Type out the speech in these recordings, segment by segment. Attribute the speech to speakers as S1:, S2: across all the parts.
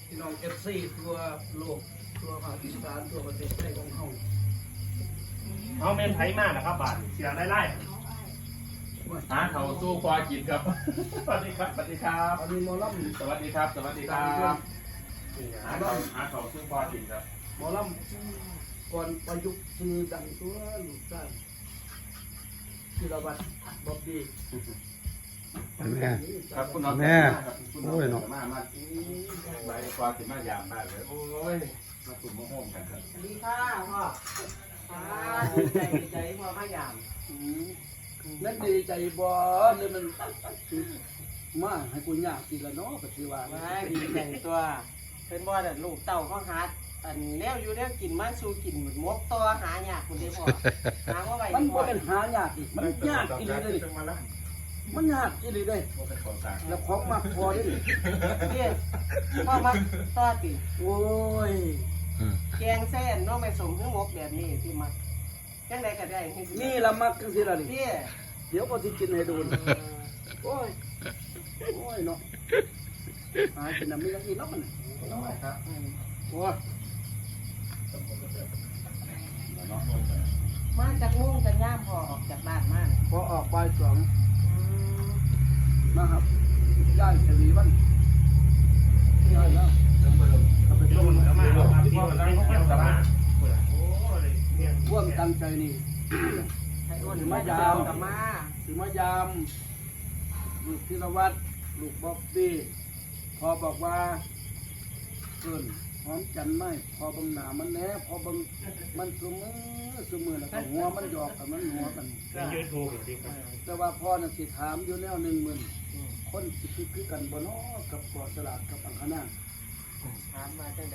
S1: พี่น้องเอฟซีตัวโลกตัวภาคอีสานตัวประเทศไทยของเขา
S2: เอาเมนไทยมากนะครับบาทเสียไล่หาเขาสู้ควากินครับสวัสดีครับสวัสดีครับ
S1: อันนี้หมอลำ
S2: สวัสดีครับสวัสดีครับหาเขาสู้ควากินครับ
S1: หมอลำก่อนประยุกต์ซื้อดังตัวลูกชายธีรวัตรบ๊อบบี้
S3: แม่
S2: ครับคุณน้อง
S3: แม่
S2: โอ้ยน้องมาใบควากินมายามมากเลยโอ้ยมาตุ่มมะม่วงกันครับ
S4: สวัสดีค่ะพ่อดีใจพ่อพยายาม
S1: นั่นดีใจบ่เนี่ยมันมาให้กูยากกินละเนาะก็ถือว่า
S4: ไม่ดีใจตัวเป็นบ่อแต่ลูกเต่าเขาหาอันแนวอยู่แนวกินมันสู้กินเหมือนมกตัวหายากคุณได้พ่อหาว่าไว้
S1: มันบ่เป็นหายากอีกมันยากอีหลีเลยมันยากอีหลีเลยแล้วของมากพอได้ดิ
S4: พี่พ่อมาต่อติ
S1: โอ้ย
S4: แกงเส้นน้องไม่สมเครื่องมกแบบนี้ที่มาจังใดก็ได้ให้
S1: นี่ละมักจังซี่ล่ะนี่
S4: พี่
S1: เดี๋ยวก็สิกินให้ดูโอ้ยโอ้ยเนาะหายเป็นน้ำมีอย่างอีกเนาะมันโอ้ย
S4: มาจากมุ่งจากย่ามพอออกจากบ้านมา
S1: พอออกบ่ายสองนะครับย่ายชวีวันย่ายแล้ว
S2: ลงแล้วมาที่พ่อแล้วเขาจะมาโอ้ย
S1: ร่วมตั้งใจนี่
S4: ให้อ้วนมายามกับมา
S1: ถึงมายามลูกธีรวัตรลูกบ๊อบบี้พอบอกว่าเกินหอมจันทร์ไหมพอบังหนามันแน่พอบังมันสมือแล้วก็หัวมันหยอกกับมันหัวกัน
S2: ยูทูบดีครับ
S1: แต่ว่าพ่อน่ะสิถามอยู่แนว10,000คนสิคือกันบ่เนาะกับปอสลาดกับอังคณา
S4: ถามมาจังใด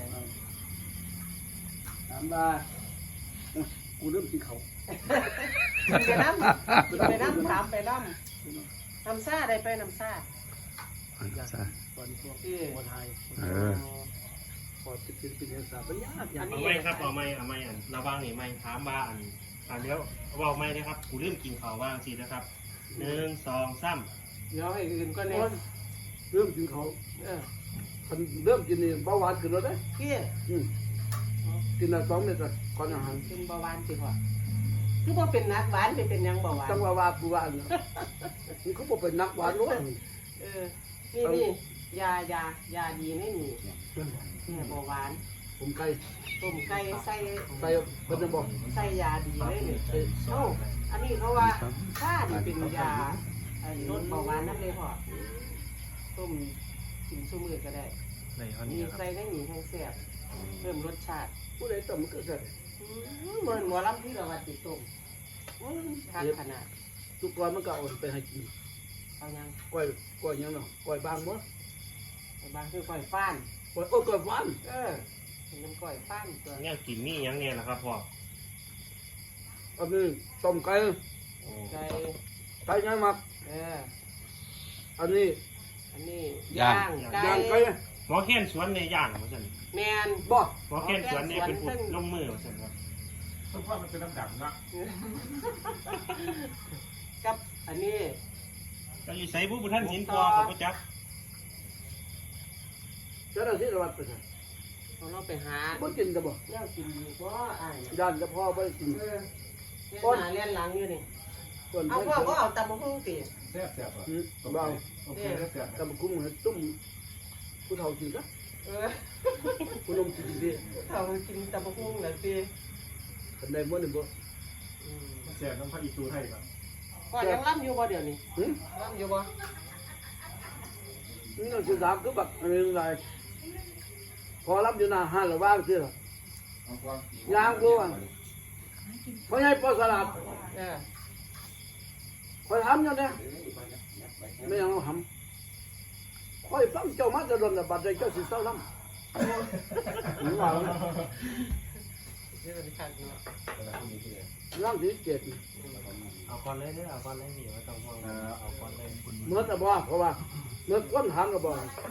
S1: ถามว่ากูเริ่มกินเขา
S4: ไปน้ำถามไปน้ำซ่าได้ไปน้ำซ่า
S1: ตอนพวก
S4: ที่
S1: คนไทย พอจะเป็นภาษาเป็นยากอย่าง
S2: เอาไม่ครับเอาไม่อันระวังนี่ไม่ถามว่าอันเดี๋ยวเอาไม่นะครับกูลืมกินข้าวว่างสินะครับ1 2 3
S4: เดี๋ยวให้อื่นก็เนี่ย
S1: เริ่มกินเขาคนเริ่มกินนี่เบาหวานขึ้นแล้วเด้
S4: พี่
S1: กินละ2 เม็ดก่อนอาหาร
S4: เป็นเบาหวานสิพ่อคือว่าเป็นนักหวานเป็นยังเบาหวาน
S1: จังว่าปูว่านี่เขาบอกเป็นนักหวานล้วน
S4: นี่ยาดีไม่มีเนี่ยเบาหวาน
S1: ผมไก่
S4: ต้มไก่ใส่
S1: ไก่เพิ่นจะบอก
S4: ใส่ยาดีเลยเนี่ยโอ้อันนี้เขาว่าถ้านี่เป็นยาลดเบาหวานนั่นเลยพ่อต้มกินชุ่มมือก็ได้มีใส่ได้หนีแห้งแซ่บเพิ่มรสชาติ
S1: ผู้ใดต้มมันก็เสร็จ
S4: เหมือนหมอลำที่เราวัดติดต้มทานขนาด
S1: ทุกวันมันก็เอาไปให้กิน
S4: เอายัง
S1: ก้อยยังเนาะก้อยบางบ่
S4: บางคือก้อยฟ้าน
S1: ก้อยก้อยหวาน
S4: เป็นก้อยฟ้านตัว
S2: เนี่ยกินนี่ยังเนี่ยนะครับพ่อ
S1: อันนี้ต้มไก่
S4: ไก่
S1: ไก่ยังมัก อันนี้
S4: อันนี้ย่างไก่
S1: ย่างไก่
S2: หมอแค้นสวนในย่างเหมือนกัน
S4: แมน
S1: บ่
S2: หมอแค้นสวนนี่เป็นผู้ลงมือเหมือนกันครับต้องว่ามันเป็นน้ำดำนะ
S4: กับอันนี้
S2: ก็อยู่ใส่ผู้ท่านหินตัวกับผู้จัก
S1: จะได้ที่ระวัดไปใช่
S4: เราไปหา
S1: บ่กินจะบ่
S4: เลี้ยงกินดีกว่าอ่าน
S1: ย่านจะพ่อบ่ได้กิน
S4: เลี้ยงหน้าเลี้ยงหลังอยู่นี่
S1: คน
S4: เอาพ่อก็เอาตำมะฮุ่งตี
S2: แซ่บแซ่บอ่ะ
S1: บ่าว
S2: โอเคแซ่บ
S1: ตำกุ้งให้ตุ้มผู้เฒ่ากินซะผู้นมกินดิ
S4: เขากินตำมะฮุ่งเลยตี
S1: คันใดบ่นี่บ่
S2: แซ่บน้ำผักอีตูให้ครับ
S4: พ่อยังรับอยู่บ่เดี๋ยวนี้
S1: หึ
S4: รับอยู่บ่
S1: นี่เราสิถามคือบักอันนึงหลายพอรับอยู่หน้าห้านแล้วว่างซื่อล่ะย่างกูอ่ะเพราะให้ปอสลัดคอยทำอยู่เนี่ยไม่ยังเอาทำคอยฟังเจ้ามาจะโดนแต่บัดใจเจ้าสิเศร้าลำหรือว่า
S4: นี่เป็นขั้นเนาะ
S1: ร่างที่เจ็ด
S2: เอาก่อนเลยเนี่ยเอาก่อนเลยนี่ไม่ต้องห่วงเอาก่อนเลยคุณ
S1: เมื่อแต่บ่เพราะว่าเมื่อก้นถามก็บ่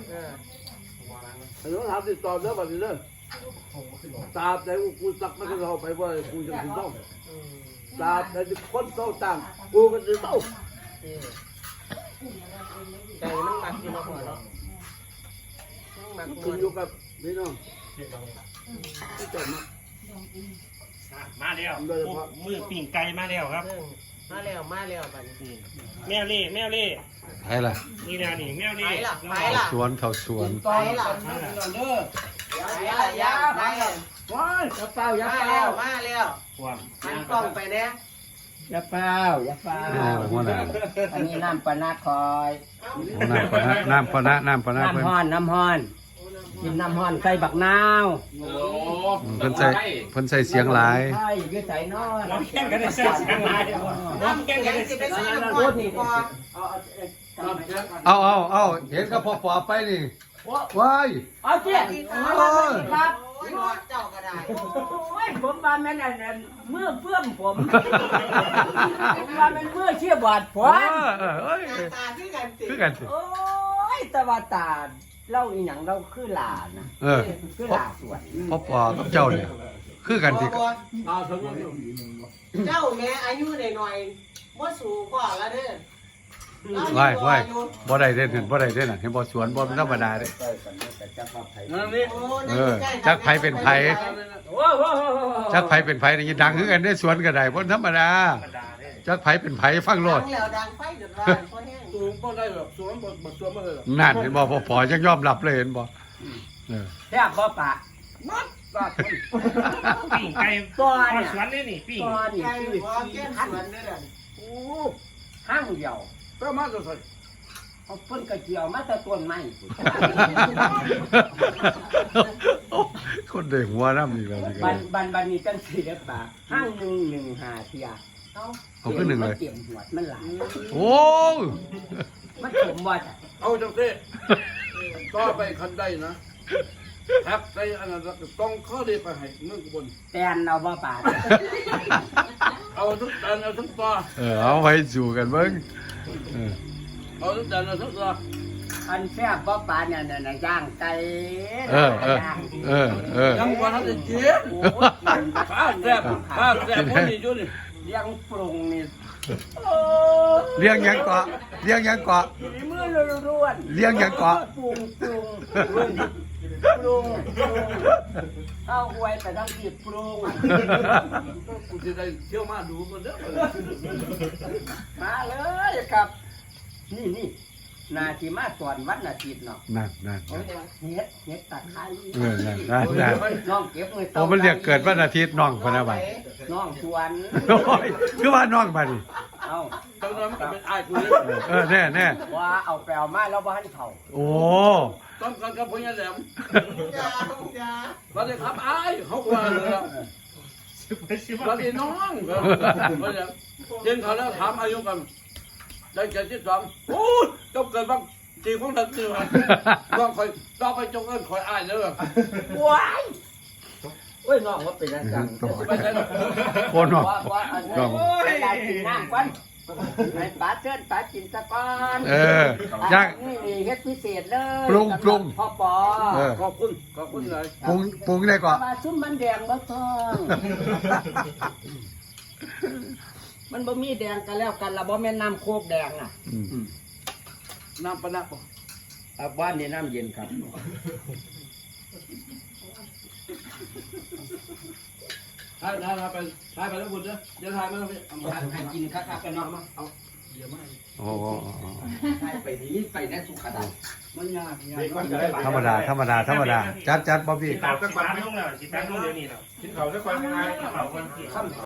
S1: แต่ต้องถามติดต่อเด้อบัดนี้เด้อตาแต่กูสักไม่เข้าไปว่ากูจะสิเศร้าตาแต่คนเศร้าต่างกูก็สิเศร้า
S4: ใจมันหนักอยู่เนาะพ่อเนาะหมักม
S1: ขึ้
S4: วน น
S1: อยู่กับพี่น้องที่จบมา
S2: มาแล้วมือปิ่งไก่มาแล้วครับ
S4: มาแล้วบัดนี้
S2: แมวเล่แมวเล่
S3: ไปล่ะ
S2: นี่นะนี่แมวเล่
S4: ไปล่ะ
S3: สวนเขาสวน
S1: ต่อแล้วกันนะพี่น้องเด้อ
S4: ไปล่ะยาไปล่ะ
S1: ว้ายอย่าเป่าอย่า
S4: มา
S1: เป่า
S4: แล้ว
S2: ความ
S4: หันกล้องไปเนี่ย
S5: อย่าเฝ้าอย่าเฝ้า
S3: หัวหน้า
S5: อันนี้น้ำปะนาคอย
S3: หัวหน้าปะนะน้ำปะนะน้ำปะนะเพิ่น
S5: น้ำห้อนกินน้ำห้อนใส่บักนาว
S2: โอ้
S3: เพิ่นใส่เสียงหลาย
S5: ใช่ยืดใส่นอน
S2: เราแข่งกันได้เสียงหลายน้ำแข่งกันได้
S4: สิไป
S2: เสียง
S4: ซื้อ
S2: หลาย
S4: น้ำก้อนนี่พอ
S3: เอาเห็นกับพ่อปอไปนี่ว้าย
S5: เอาเจี๊ยครับ
S4: โอ้ยเจ้าก็ได้
S5: โอ้ยผมว่าแม่นอันนั้นเมื่อเพื่อมผมว่ามันเมื่อเชี่ยบาดผ
S3: ว้า
S5: ม
S3: เอ้ย
S4: ตาที่กันสิ
S3: คือกันสิ
S5: โอ้ยแต่ว่าตาเล่าอีหยังเราคือหลานนะ
S3: เออ
S5: คือหลาสวน
S3: พ่อปอกับเจ้าเนี่ยคือกันสิ
S1: เอาสมมติ
S4: เจ้าแม่อายุหน่อยๆบ่สูงกว่าแล้วเด้อ
S3: ว้ายบ่ได้เด่นเห็นบ่ได้เด่นน่ะเห็นบ่สวนบ่ธรรมดาเด้
S1: นั่นนี่
S3: จักไผเป็นไผ
S5: โอ้โห
S3: จักไผเป็นไผนี่ดังคือกันได้สวนก็ได้บ่ธรรมดาจักไผเป็นไผฟังโล
S4: ดั
S3: ด
S4: งแล้วดังไฟเดือดร้อนเพราะแห้ง
S1: สูงบ่ได้หรอกสูงบ่สูงบ่ได้หรอก
S3: นั่นเห็นบ่พ่อปอยังยอมรับเลยเห็นบ่เออ
S5: แซ่บบ่ปะ
S1: มัดปาก
S2: ปิ่งไก่
S5: ก้อน
S2: ทอด
S5: เนี่ย
S2: สวนนี่นี่ปิ่ง
S5: ก้อนนี่
S4: ไก่
S5: คือ
S4: หัวแก้มสวนเด้อ
S1: โอ้
S5: ห้างเดียว
S1: ก็มาจะใส่
S5: เอาเพิ่นกระเจียวมาแต่ต้นไม้
S3: คนได้หัวน้ำอีกแล้วนี่ก็
S5: บันนี้จังสิเด้อปะห้าง1 5เที่ยเอ้า
S3: เอาขึ้นหนึ่งเลย
S5: เตรียมหัวมันหลาย
S3: โอ้
S5: มันสมว่าจ้ะ
S1: เอาจังซี่ต่อไปคันได้นะครับใส่อันนั้นต้องข้อดีไปให้เมืองบน
S5: แตนเอาบ่ปะ
S1: เอาทุกอันเอาทุกต่อ
S3: เอาไว้สู่กันเบิ่งเออ
S1: เอาทุกอันเอาทุกต่อ
S5: อันแซ่บบ่ปะเนี่ยน่ะย่างไก่
S1: ยังว่าทันได้กิน
S5: โอ้ย
S1: ข้าแซ่บคนนี้อยู่นี่
S5: เลี้ยงปรุงนี่
S3: เลี้ยงหยังเกาะเลี้ยงหยังเกาะ
S5: ฝีมือล้วนๆ
S3: เลี้ยงหยังเกาะ
S5: ปรุงเอาอวยไปทั้งที่ปรุง
S1: กูสิได้เที่ยวมาดูมันเด้อ
S5: มาเลยครับ นี่นาทีมาสอนวัดนาทีเนาะ
S3: นั่น
S5: เฮ็ดตะไคร้
S3: นั่น
S5: น้องเก็บมือ
S3: โอ้มันเรียกเกิดวันอาทิตย์น้องพะนะบัด
S5: น้องสวน
S3: โอ้ยคือว่าน้องบัดนี่
S5: เอา
S1: จังนั้นมันก็เป็นอ้ายกูเลย
S3: แน่
S5: ว่าเอาแปลวมาแล้วบ้านเขา
S3: โอ้
S1: ต้องกันกับพญาแหลม
S4: ยาอย่า
S1: สวัสดีครับอ้ายเขาว่าเลยล่ะสวัสดีน้องก็เย็นเขาแล้วถามอายุกันได้72โอ้ยจบเกิดบ้างจีของทันทีว่าต้องคอยต้องไปจงเอิ้นคอยอ้ายเด้อ
S5: ว้ายโอ้ยน้องว่าเป็นอาจารย์
S1: ไปใช่หรอก
S3: โอ้น้อง
S5: ว่าอันนี้เวลากินน้ำกันให้ป้าเชิญป้ากินตะก้อน
S3: ย่าง
S5: นี่เฮ็ดพิเศษเลย
S3: ปรุง
S5: พ่อปอ
S1: ขอบคุณเลย
S3: ปรุงได้ก่อน
S5: ปลาซุ่มมันแดงบ่ทองมันบ่มีแดงกันแล้วกันละบ่แม่นน้ำโคกแดงน่ะ
S1: น้ำปะนะ
S5: บ้านนี่น้ำเย็นครับ
S1: ถ่ายไปแล้วบุญเด้อเดี๋ยวถ่ายมาแล้วพี่เอามา
S5: ให้กินคักๆกันเนาะ
S1: เอาเดี๋ยวมา
S3: โอ้
S5: ให้ไปนี่ไปได้สุขดา
S1: มันยาก
S3: ธรรมดาจัดบ๊อบบี้
S2: สิบแปดลงแล้วสิบแปดลงเดี๋ยวนี้แล้วกินเขาสักวันไม่ได้กินเขาวันที่